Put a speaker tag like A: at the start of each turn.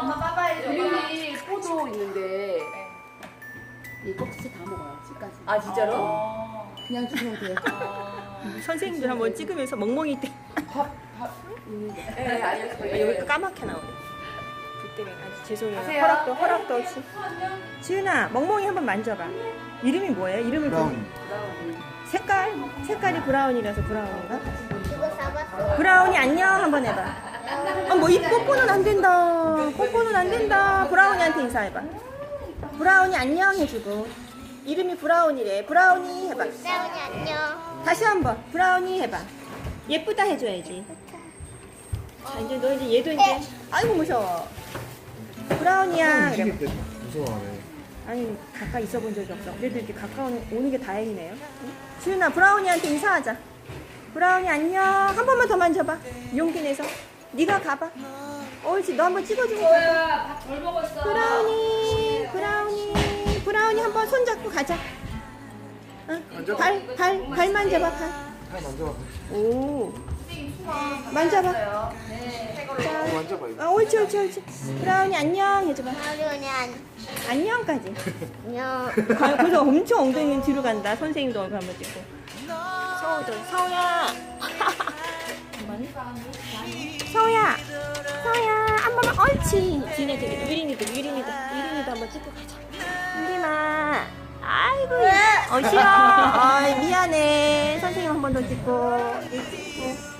A: 엄마 빠빠해줘.
B: 유린이 포도 있는데 이 껍질 다 먹어요. 집까지.
A: 아 진짜로?
B: 그냥 주면 돼요.
C: 선생님들 한번 찍으면서 멍멍이 때
A: 네 알려줘요.
C: 여기 까맣게 나오네. 불 때문에 아주 죄송해요.
A: 하세요.
C: 허락도 없이. 지은아 멍멍이 한번 만져봐. 이름이 뭐예요? 이름을
D: 브라운.
C: 색깔이 브라운이라서 브라운인가?
E: 이거 잡았어.
C: 브라운이 안녕 한번 해봐. 뭐 이 뽀뽀는 안 된다. 뽀뽀는 안 된다. 브라운이한테 인사해봐. 브라운이 안녕 해주고. 이름이 브라운이래. 브라운이 해봐.
E: 브라운이 안녕.
C: 다시 한번 브라운이 해봐. 예쁘다 해줘야지. 자 이제 너 이제 얘도 이제 아이고 무서워. 브라운이야. 그래.
D: 움직일 때 무서워하네.
C: 아니 가까이 있어본 적이 없어. 그래도 이렇게 가까운 오는 게 다행이네요. 응? 지훈아 브라운이한테 인사하자. 브라운이 안녕. 한 번만 더 만져봐. 용기 내서. 네가 가봐. 옳지. 너 한번 찍어주고 가봐.
A: 밥덜 먹었어.
C: 브라운이 한번 손 잡고 가자. 응? 발 만져봐. 발.
D: 발 만져봐.
C: 오. 만져봐.
A: 네.
C: 자.
D: 만져봐 이거.
C: 옳지. 브라운이 안녕 해줘봐.
E: 브라운이
C: 안녕까지.
E: 안녕.
C: 그래서 엄청 엉덩이 뒤로 간다. 선생님도 얼굴 한번 찍고. 서우야. 서우야. 한 번만. 옳지. 지네 유린이도 한번 찍고 가자. 유린아. 아이고. 싫어. 미안해. 선생님 한 번 더 찍고.